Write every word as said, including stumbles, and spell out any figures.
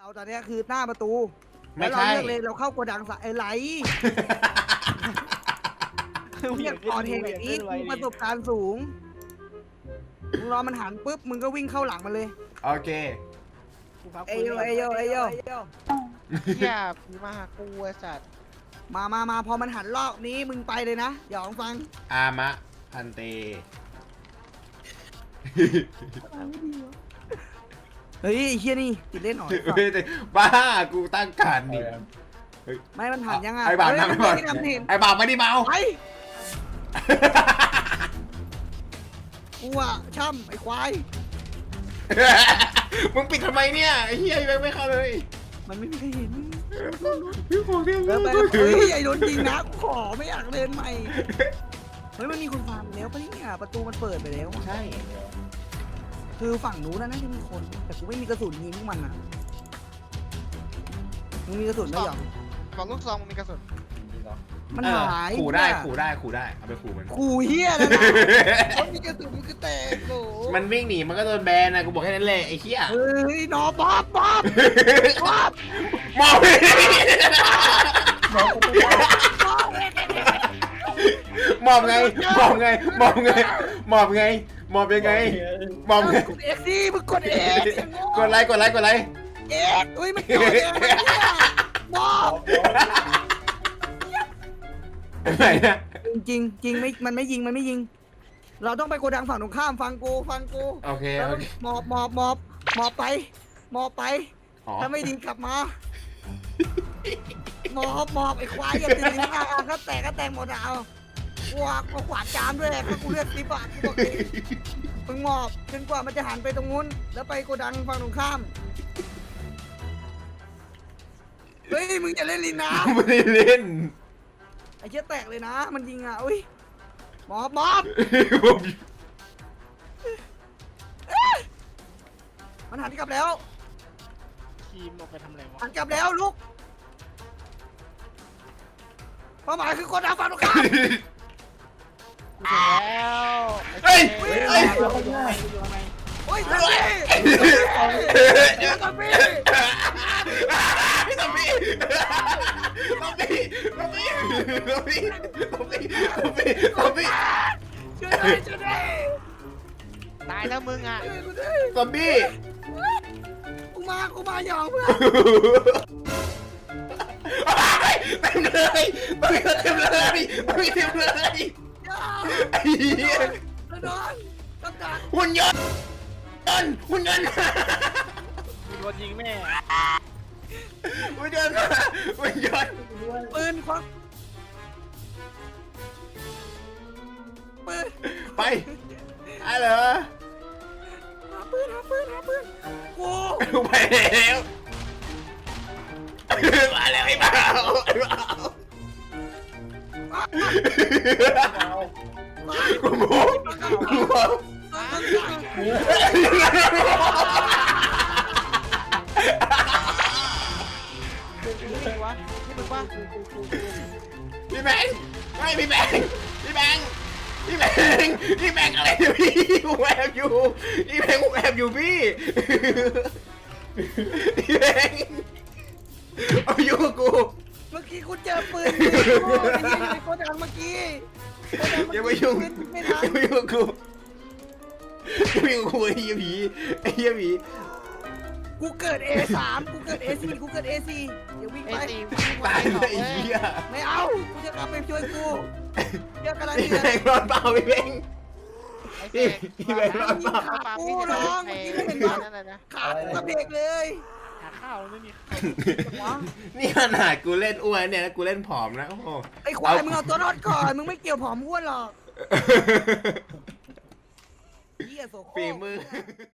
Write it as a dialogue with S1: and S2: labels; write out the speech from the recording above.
S1: เอาตอนนี้คือหน้าประตู
S2: ไม่
S1: แล้วเรา
S2: ใช่
S1: เลือกเลยเราเข้าโกดังสะไอ้ไหลเรียกก่อนเหตุอย่างนี้กูประสบการณ์สูงมึงรอมันหันปุ๊บมึงก็วิ่งเข้าหลังมันเลย
S2: โอเค
S1: เอโยเอโยเอโย
S3: เหี้ยผีมาหากูไอ้สัตว์
S1: มามามาพอมันหันรอบนี้มึงไปเลยนะอย่าลองฟัง
S2: อามะพันเต
S1: เฮ้ยไอ้เฮียนี่ติดเล่นหน่อย
S2: เฮ้ยแต่บ้ากูตั้งการนี่
S1: ไม่มันหันยังไง
S2: ไอ้บ่าวนั่ง
S1: ไม่
S2: ไอ้บ่าว
S1: ได้ทำเห็น
S2: ไอ้บ่าวไม่ได้เมา
S1: ไปกูอะช่ำไอ้ควาย
S2: มึงปิดทำไมเนี่ยไอ้เหี้ยยังไม่เข้าเลย
S1: มันไม่มีใครเห็น
S2: พี่ขอเดียว
S1: เออไปเฮ้ยไอ้โดนจริงนะกูขอไม่อยากเล่นใหม่เฮ้ยมันมีคนฟาร์มแล้วปะเนี่ยประตูมันเปิดไปแล้วอะ
S2: ใช่
S1: คือฝั่งนู้นนะน่าจะมีคน แต่กูไม่มีกระสุนยิงพวกมันอ่ะมึงมีกระสุนไหมหยอง
S3: บอกลูกซองมึงมีกระสุน
S1: มัน
S2: เออ
S1: หาย
S2: ขู่ได้
S1: เนี่ย
S2: ขู่ได้ขู่ได้เอาไปขู่มัน
S1: ขู่เฮียแล้วนะมันมีกระสุนมันก็แตกโห
S2: มันวิ่งหนีมันก็โดนแบนนะกูบอกแค่นั้นแหละไอ้เหี้ย
S1: เฮ้ยนอบ๊อบบ๊อบบ๊อบ
S2: มองมอบไงมอบไงมอบไงมอบไงมอบยังไงมอบไง
S1: กดเอ็กซี่มึงกดเอ็ก
S2: กดไลค์กดไลค์กดไลค์
S1: เอ็กอุ้ยมันกดเอ็กบ๊อบ
S2: ไหนนะ
S1: จริงจริงไม่มันไม่ยิงมันไม่ยิง เราต้องไปโกดังฝั่งตรงข้ามฟังกูฟังกู
S2: โอเค
S1: แล้ว
S2: โอเค
S1: หมอบหมอบหมอบหมอบไปหมอบไป
S2: อ๋อ
S1: ถ้าไม่ดีกลับมาหมอบหมอบไอ้ควายอย่าตื่นนะก็แตกก็แตกหมดอะเอากวาดก็ขวาดจามด้วยแหละถ้ากูเลือกสิบบาทกูบอกเลยมึงหมอบจนกว่ามันจะหันไปตรงนู้นแล้วไปโกดังฝั่งตรงข้ามเฮ้ยมึงอย่าเล่นลินนะ
S2: ไม่ได้เล่น
S1: ไอ้เชี่ยแตกเลยนะ มันยิงอ่ะอุ้ยหมอบหมอบ
S2: ผม
S1: มันหันกลับแล้ว
S3: ทีมออกไปทำอะไรวะ
S1: หันกลับแล้วลูกเป้าหมายคือโกดังฝั่งตรงข้าม
S3: กูถึงแล้ว
S2: เฮ้ย
S1: เฮ้
S2: เฮ้ย
S1: ย โอ้ยตัมมี่ตัมมี่
S2: พี่ตัมมี่ตัมมี่ตัมมี่ตัมมี่ตัมมี่ตัมมี่ตัมมี่
S1: ช่วยหน่อยช่วยหน่อย
S3: ตายแล้วมึงอ่ะ
S1: ช่วยกูด้วย
S2: ตัมมี่
S1: กูมากูมาหยองเพื่อน
S2: เต็มเลยตัมมี่เต็มเลยตัมมี่เต็มเลย
S1: อย่า
S2: ไอ้เหี้ย
S1: กระโดดกระโดด
S2: หุ่นยนต์หุ่นยนต์
S3: มึงโดนยิงแน่
S2: หุ่นยนต์หุ่นยนต์
S1: ปืนควักปืน
S2: ไปไอ้เหรอ
S1: หาปืนหาปืนหาปืนกู
S2: ไปแล้วมาแล้วไอ้บ่าวไอ้บ่าวกูโม้กูโม้
S3: นี่วะนี่มึงวะ
S2: พี่แบงค์ไม่พี่แบงค์พี่แบงค์พี่แบงค์พี่แบงค์อะไรเนี่ยพี่กูแอบอยู่พี่แบงค์กูแอบอยู่พี่พี่แบงค์เอาอยู่กับกู
S1: เมื่อกี้กูเจอปืนกูยิงในโกดังเมื่อกี้โกดังเมื่
S2: อย่า
S1: อ
S2: มา
S1: กี้
S2: ยุ่ง
S1: ยิงไม่
S2: อย่า
S1: ทัน
S2: มายุ่งกับกูอย่ามายุ่งกับกูไอ้เหี้ยผีไอ้เหี้ยผี
S1: กูเกิด เอ สาม กูเกิด เอ สี่ กูเกิด เอ สี่ เดี๋ยววิ่ง
S3: ไอ้
S1: ไป
S3: ตี
S2: ตายเลยไอ้เหี้ย
S1: ไม่เอา กูจะกลับไปช่วยกูเดี๋ยวกำลัง
S2: พี่
S1: เดือ
S2: แบ
S1: ด
S2: งค์รอดเปล่าพี่แบงค์
S3: ไอ้
S2: พี่
S3: เสก
S2: พี่แบงค์รอดเปล่า
S3: ขากูร้องไอ้นั่นแหละนะ
S1: ขากูกระเบกเลย
S3: หาข้าวไม่มี
S1: วะ
S2: นี่ขนาดกูเล่นอ้วนเนี่ยนะกูเล่นผอมนะโอ้โห
S1: ไอ้ควายมึงเอาตัวรอดก่อน มึงไม่เกี่ยวผอมอ้วนหรอกเหี้ยโสโครก
S2: ฝีมือ